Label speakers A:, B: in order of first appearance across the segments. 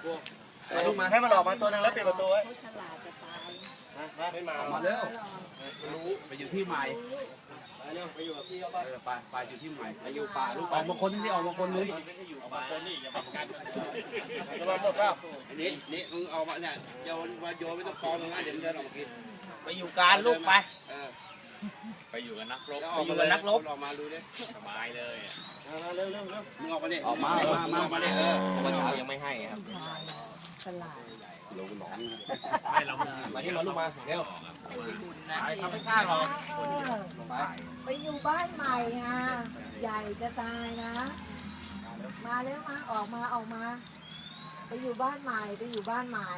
A: ลูกมาให้มันออกมาตัวนึงแล้วปิดประตูไว้
B: ฉลาดจะตาย
A: ไม่มา
C: ออกมาเร็วรู้ไปอยู่ที่ใหม่
A: ไปเร็วไปอยู่กับพี่เขาไป
C: ไปอยู่ที่ใหม่ไปอยู่ป่าลูกออกมาคนที่ออกมาคนนึง
A: ออกมาคนนี่อย่าไปกันจะมาหมดเปล่า
C: นี่มึงออกมาเนี่ยโยนไม่ต้องคอมึงนะเดี๋ยวมึงเดินออกมากิน
A: ไปอยู่การลูกไป
D: ไปอยู่กับนักรบ
C: ออกมานักรบ
D: ออกมาดูดิสบายเลย
A: เร็วเร็วเร็ว
C: มึงออกมาดิออกมาดิ
D: เมื่อเช้ายังไม่ให้ครับ
B: ฉลาด
C: ลงหนอง
D: ไม่เรา
C: มาที่มาลูกมาเร็ว
D: ทำไม่กล้าหรอก
B: ไปอยู่บ้านใหม่อ่ะใหญ่จะตายนะ มาแล้วมาออกมาไปอยู่บ้านใหม่ไปอยู่บ้านใหม่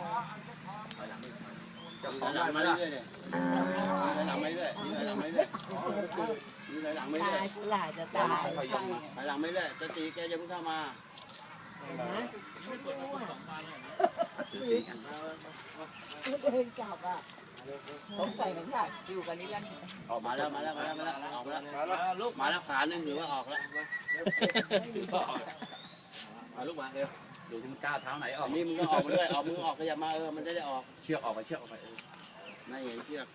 C: หลังมาเรื่อยเลยหลังมาเรื่อยหลังมาเรื่อยหลังมาเรื่
B: ตา
C: อย
B: ยฉลาดจะตาย
C: หลังมาเรื่อยจะตีแกจะเพิ่งเข้ามา
B: นะเดินกลับอ่ะผมใส่กันยากอยู่กันนี่แล้ว
C: ออกมาแล้วออกมาแล้วลูกมาแล้วขาหนึ่งหรือว่าออกแล้วมาลูกมาเร็วดูที่มันก้าวเท้าไหนออกนี่มึงก็ออกมาด้วยออกมือออกขยับมามันได้ออกเชือกออกไปไม่เห็นเชือก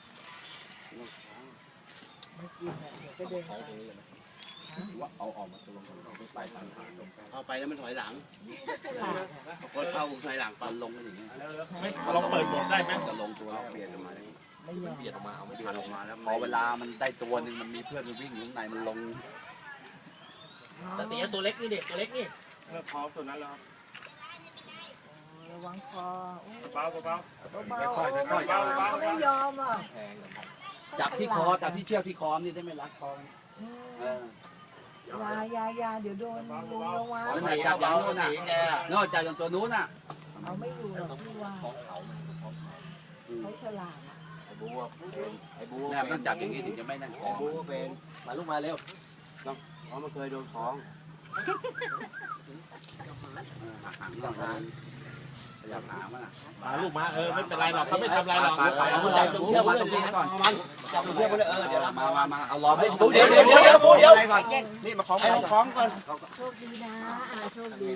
B: ก็เดิน
C: ว่าเอาออกมาตัวลงไปทางทางเข้าไปแล้วมันถอยหลัง
B: ฉลาด
C: พอเข้าถอยหลังปันลงกันอย่างนี้
D: เราเปิดหมดได้ไหม
C: จะลงตัวเปลี่ยนออกมา
B: ไม่ยอม
D: เบียดออกมาเอาไม่
C: เปลี่ยนออกมาแล้วพอเวลามันได้ตัวนึงมันมีเพื่อนมันวิ่งอยู่ข้างในมันลง
D: แต่ตีตัวเล็กนี่เด็กตัวเล็กนี่
A: เมื่อพร้อมตัวนั้นแล้ว
B: ระวังคอ
A: เบาเบา
B: ไม่ยอมอ่ะ
C: จับที่คอจับที่เชือกที่คอนี่ได้ไม่รัดคอเออ
B: ยาเดี๋ยวโดนระวัง
C: แล้วไหนจับอย่างนู้นน่ะนอกจากอย่างตัวนู้นน่ะ
B: เอาไม่อยู่หรอกพี่ว่าเขาฉลาด
D: ไอ้บูไอ้บู
C: แม่ต้องจับอย่างนี้ถึงจะไม่นั่นคอ
D: บูเป็นมาลูกมาเร็วต้องเพราะมันเคยโดนท้อง
C: หางก่อนพยายามหามัน
D: มาลูกมาไม่เป็นไรหรอกเขาไม่ทำไรหรอก
C: เอาจับตรงเชือกมาตรงนี้ก่อน
D: จับเพื่อนมาเลยเดี๋ยว
C: มาเอาล้อมให้
A: เดี๋ยวก่อนนี่มาคล้องคล้องก่อน
B: โชคดีนะโชคดี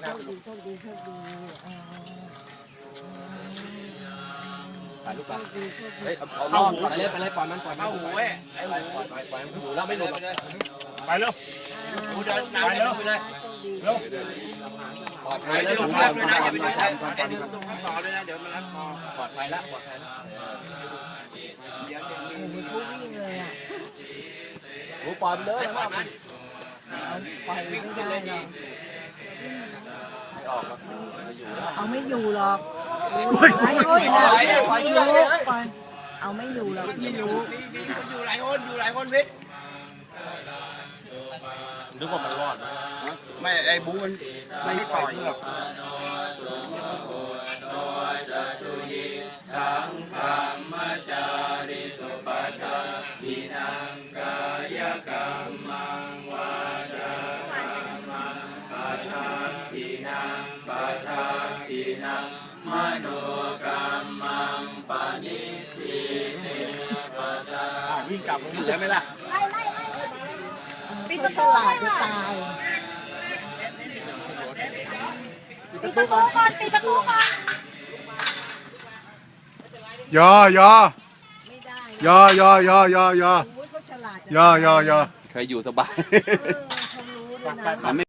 C: ถ่ายรูปไป
B: โชคดี
C: เฮ้ยเอาล้อมก่อน
D: ไปเลยปล่อยมัน
A: เอาหูเว้ย
D: ปล่อยมันอยู่แล้วไม่หลุด
A: ไปเร็วหูเดินน้ำเร็วไปเลย
B: เร็ว
C: ปลอดภั
A: ไป
C: ย
A: เร็ว
C: แล้ว
A: เชือกด้วยนะอย่าไปดูใครไอ้ดึงตรงข้างต่อด้วยนะเดี๋ยวมันรัดคอ
C: ปลอดภัยแล้ว
B: เขาวิ่งเลยอ่ะ
C: หูปล่อยไปเลย
B: ปล่อยไม่ได้หรอก
C: ไม่ออกแล้วไม่อยู่แล้ว
B: เอาไม่อยู่หรอกไอ้โอ้ยนะพี่รู้เอาไม่อยู่หรอกพี่รู้
A: มีอยู่หลายคนพิษ
D: นึกว่ามันรอด
A: ไม่ไอ้บูมันไม่ปล่อยหรอก
D: วิ่งกลับ
C: เหลือไหมล่ะ
B: พี่ก็ฉลาดจะตาย
E: ปิดประตูก่อนปิดประตูก่อน
F: ยอยอ
B: ไม่ได้
F: ยอยอ
B: เขาฉลาด
F: ยอยอ
C: เคยอยู่สบาย
B: เขารู้ด้วยนะ